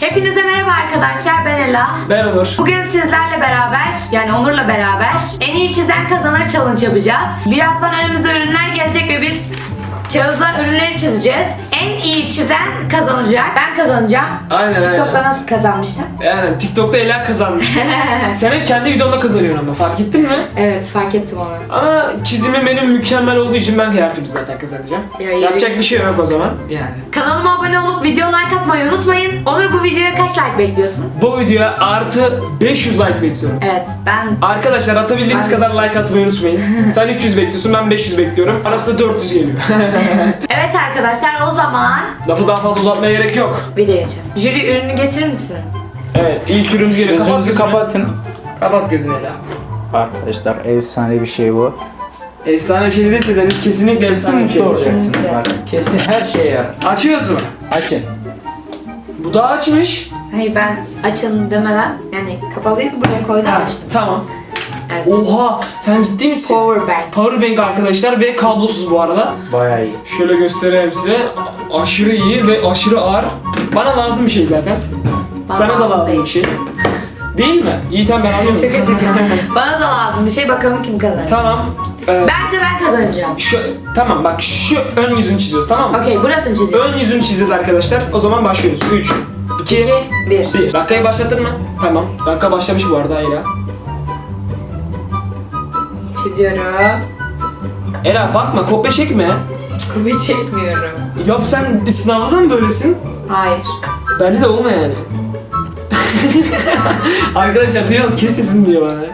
Hepinize merhaba arkadaşlar, ben Ela. Ben Onur. Bugün sizlerle beraber, yani Onur'la beraber en iyi çizen kazanır challenge yapacağız. Birazdan önümüze ürünler gelecek ve biz kağıda ürünleri çizeceğiz. En iyi çizen kazanacak. Ben kazanacağım. Aynen. TikTok'ta nasıl kazanmıştım? Yani TikTok'ta Ela kazanmış. Sen hep kendi videonda kazanıyorsun ama fark ettin mi? Evet, fark ettim onu. Ama çizimim benim mükemmel olduğu için ben her türlü zaten kazanacağım. Ya, Yapacak bir şey yok o zaman yani. Kanalıma abone olup video like atmayı unutmayın. Onur, bu videoya kaç like bekliyorsun? Bu videoya artı 500 like bekliyorum. Evet, ben... Arkadaşlar atabildiğiniz Ben kadar like atmayı unutmayın. Sen 300 bekliyorsun, ben 500 bekliyorum. Arası 400 geliyor. Evet arkadaşlar, o zaman Lafı daha fazla uzatmaya gerek yok. videoya geçelim. Jüri, ürünü getirir misin? Evet, ilk ürünümüz geliyor. Kapat Gözünüzü gözünü. kapatın. Kapat gözünü Ela. Arkadaşlar efsane bir şey bu. Efsane bir şey değilse Deniz kesinlikle efsane bir Kesin şey. mutlu olacaksınız bak. Kesin her şeye yarar. Açıyoruz mu? Açın. Bu da açmış. Hayır, ben açın demeden, yani kapalıydı, buraya koydum, açtım. Tamam. Evet. Oha, sen ciddi misin? Powerbank. Powerbank arkadaşlar ve kablosuz bu arada. Bayağı iyi. Şöyle göstereyim size. Aşırı iyi ve aşırı ağır. Bana lazım bir şey zaten. Bana Sana da lazım lazım değil. bir şey. Değil mi? Yiğitem ben alıyorum. Şaka şaka. Bana da lazım bir şey, bakalım kim kazanacak. Tamam. Bence ben kazanacağım. Tamam bak şu ön yüzünü çiziyoruz, tamam mı? Okey, burasını çiziyorum. Ön yüzünü çizeceğiz arkadaşlar. O zaman başlıyoruz. 3, 2, 2, 1. 1. Dakikayı başlatır mı? Tamam. Dakika başlamış bu arada Ela. Çiziyorum. Ela bakma, kopya çekme. Kopya çekmiyorum. Ya sen sınavda da mı böylesin? Hayır. Bence de olma yani. Arkadaşlar duyuyorsunuz, kes sesini diyor bana.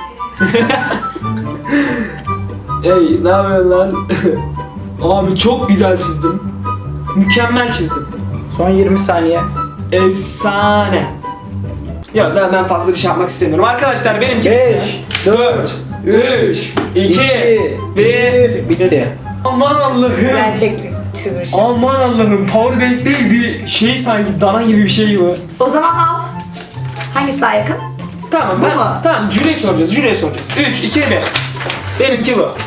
Hey, ne yapıyorsun lan? Abi çok güzel çizdim. Mükemmel çizdim. Son 20 saniye. Efsane. Ya daha ben fazla bir şey yapmak istemiyorum. Arkadaşlar benimki 5, 4, 3, 2, 1 bitti. Aman Allah'ım. Gerçek çizmişim. Aman Allah'ım. Powerbank değil, bir şey sanki dana gibi bir şey bu. O zaman al. Hangisi daha yakın? Tamam, Bu mu? Tamam, jüriye soracağız. 3, 2, 1. Benimki bu.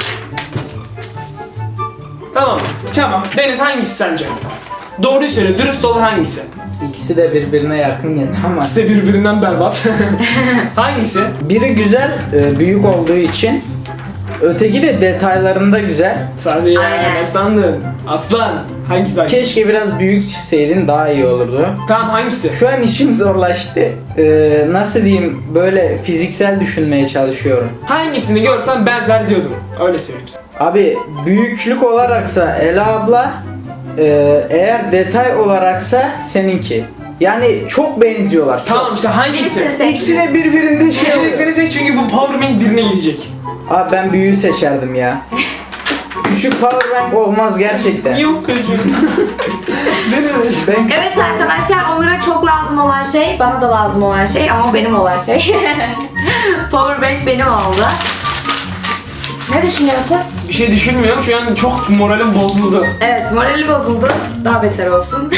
Tamam. Deniz hangisi sence? Doğruyu söyle, dürüst ol, hangisi? İkisi de birbirine yakın yani ama İkisi de birbirinden berbat. Hangisi? biri güzel, büyük olduğu için. Öteki de detaylarında güzel. Sarı ya, Aynen. ne sandın? Aslan, hangisi hangisi? Keşke biraz büyük çizseydin, daha iyi olurdu. Tamam, hangisi? Şu an işim zorlaştı. Nasıl diyeyim, böyle fiziksel düşünmeye çalışıyorum. Hangisini görsem benzer diyordum. Öyle söyleyeyim sana. Abi büyüklük olaraksa Ela abla, eğer detay olaraksa seninki. Yani çok benziyorlar. Çok. Tamam işte hangisi? Birisini seç. İkisi de birbirinde şey oluyor. Birisini seç çünkü bu powerbank birine gidecek. Abi ben büyüğü seçerdim ya. Küçük powerbank olmaz gerçekten. Niye onu seçiyorsun? Ben Evet arkadaşlar, Onur'a çok lazım olan şey, bana da lazım olan şey ama benim olan şey. Powerbank benim oldu. Ne düşünüyorsun? Bir şey düşünmüyorum, şu an çok moralim bozuldu. Evet, morali bozuldu. Daha beter olsun.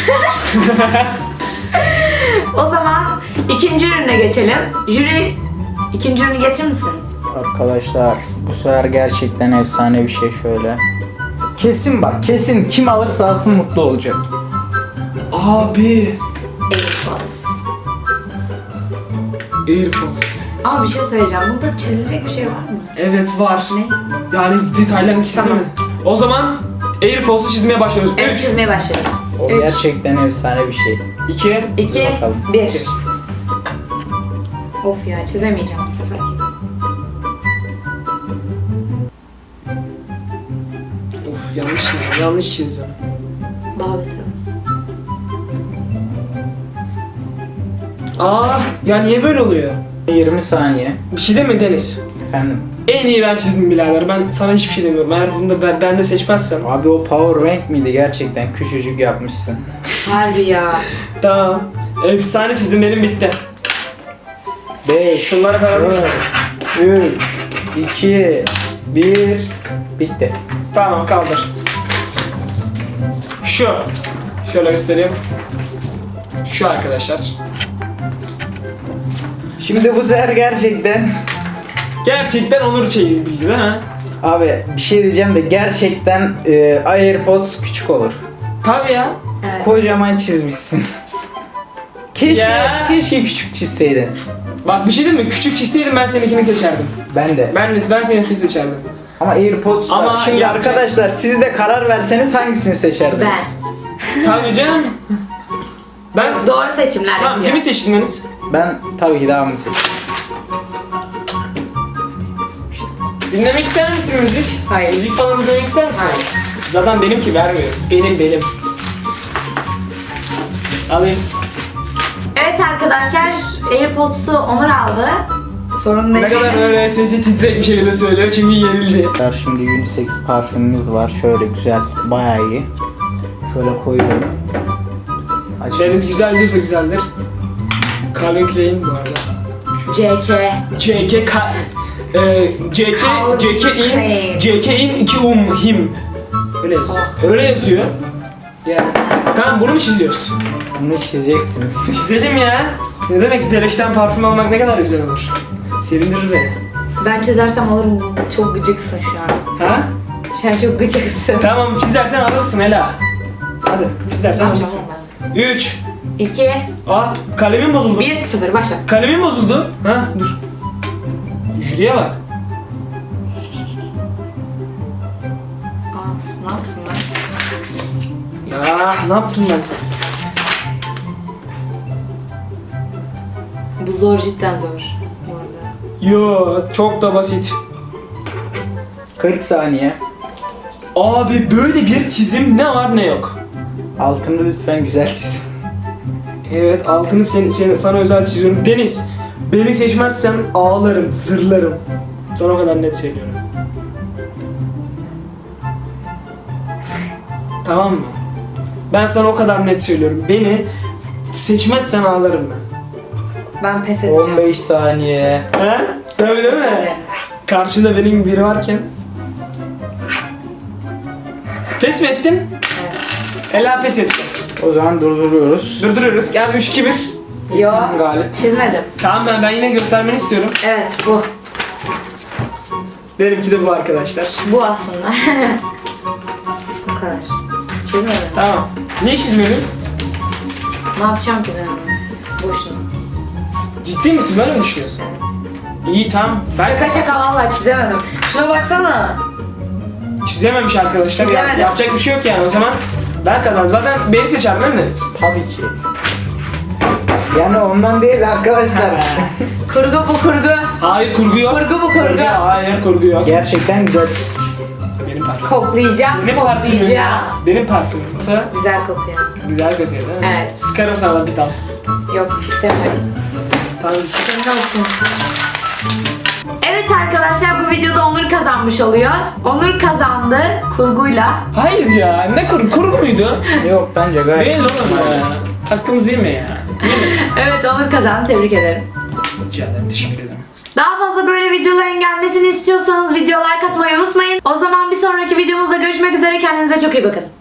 O zaman ikinci ürüne geçelim. Jüri, ikinci ürünü getirir misin? Arkadaşlar bu sefer gerçekten efsane bir şey şöyle. Kesin bak, kesin kim alırsa alsın mutlu olacak. Abi. AirPods. AirPods. Ama bir şey söyleyeceğim. Bunda çizilecek bir şey var mı? Evet var. Ne? Yani detaylarını çizdim Tamam. mi? O zaman AirPods'u çizmeye başlıyoruz. Evet, 3, çizmeye başlıyoruz. O 3, gerçekten efsane bir şey. 2, 2, Bakalım. 1. Of ya, çizemeyeceğim bu sefer kesin. Of, yanlış çizdim. Daha beter olsun. Ya niye böyle oluyor? 20 saniye. Bir şey deme Deniz. Efendim. En iyi ben çizdim birader. Ben sana hiçbir şey demiyorum. Eğer bunu da ben de seçmezsem. Abi o powerbank miydi, gerçekten küçücük yapmışsın. Harbi ya. Tamam. Efsane çizdim, benim bitti. 5, Şunları falan. 4, 3, 2, 1, bitti. Tamam, kaldır. Şu. Şöyle göstereyim. Şu arkadaşlar. Şimdi bu sefer Gerçekten Onur şeyi bildi değil mi? abi bir şey diyeceğim de gerçekten AirPods küçük olur. Tabii ya. Evet. Kocaman çizmişsin. Keşke, Ya. keşke küçük çizseydin. Bak bir şey diyeyim mi? Küçük çizseydim ben seninkini seçerdim. Ben de. Ben seninkini seçerdim. Ama AirPods var. Ama Şimdi yapacak- arkadaşlar siz de karar verseniz hangisini seçerdiniz? Tabii canım. Ben Doğru seçimler tamam yapıyor. kimi seçtin Deniz? Ben tabii ki devamını seçtim. Dinlemek ister misin müzik? Hayır. Müzik falan dinlemek ister misin? Hayır. Zaten benimki vermiyor. Benim. Alayım. Evet arkadaşlar, AirPods'u Onur aldı. Sorun değil. Ne kadar böyle sesi titrek bir şekilde söylüyor çünkü yenildi. Şimdi unisex parfümümüz var. Şöyle güzel. Bayağı iyi. Şöyle koyuyorum. Deniz güzel diyorsa güzeldir. Calvin Klein bu arada. CK. JK Ka JK Calvin JK in 2 him. Öyle yazıyor. Öyle yazıyor. Yani. Tamam bunu mu çiziyoruz? Bunu çizeceksiniz. Çizelim ya. Ne demek beleşten parfüm almak ne kadar güzel olur. Sevindirir beni. Ben çizersem alırım. Çok gıcıksın şu an. Ha? Şu an çok gıcıksın. Tamam çizersen alırsın Ela. Hadi çizersen Tamam, alırsın. 3. 2, Aa kalemim bozuldu. 1, 0 başla. Kalemim bozuldu. Ha dur. Jüriye bak. Aa, ne yaptım ben? Ya ne yaptım ben? Bu zor, cidden zor. Bu arada. Yo çok da basit. 40 saniye. Abi böyle bir çizim ne var ne yok. Altını lütfen güzel çiz. Evet altını sana özel çiziyorum. Deniz beni seçmezsen ağlarım, zırlarım. Sana o kadar net söylüyorum. Tamam mı? Ben sana o kadar net söylüyorum. Beni seçmezsen ağlarım ben. Ben pes edeceğim. 15 saniye. He? Tabii değil mi? Karşında benim biri varken. Pes mi ettin? Evet. Ela pes etti. O zaman durduruyoruz. Durduruyoruz. Gel 3-2-1. Yo, Galip. çizmedim. Tamam ben yine göstermeni istiyorum. Evet, bu. Benimki de bu arkadaşlar. Bu aslında. Bu kadar. Çizmedim. Tamam. Niye çizmedin? Ne yapacağım ki ben onu? Boşuna. Ciddi misin? Böyle mi düşünüyorsun? İyi tamam. Ben Şaka şaka vallahi çizemedim. Şuna baksana. çizememiş arkadaşlar. Çizemedim. Yapacak bir şey yok yani. O zaman ben kazandım. Zaten beni seçer değil mi Deniz? Tabii ki. Yani ondan değil arkadaşlar. Kurgu bu kurgu. Hayır kurgu yok. Kurgu bu kurgu. Hayır kurgu yok. Gerçekten güzel. Benim parfümüm. Koklayacağım, Benim parfümüm. koklayacağım. Benim parfümüm. Nasıl? Güzel kokuyor. Güzel kokuyor değil mi? Evet. Sıkarım sana bir tane. Yok, istemiyorum. Tamam. Senin olsun. Evet arkadaşlar, bu videoda Onur kazanmış oluyor. Onur kazandı kurguyla. Hayır ya. Ne kurgu muydu? Yok bence gayet. Değil oğlum ya. Hakkımızı yeme ya. Evet, Onur kazandı, tebrik ederim. Rica ederim. Teşekkür ederim. Daha fazla böyle videoların gelmesini istiyorsanız video like atmayı unutmayın. O zaman bir sonraki videomuzda görüşmek üzere, kendinize çok iyi bakın.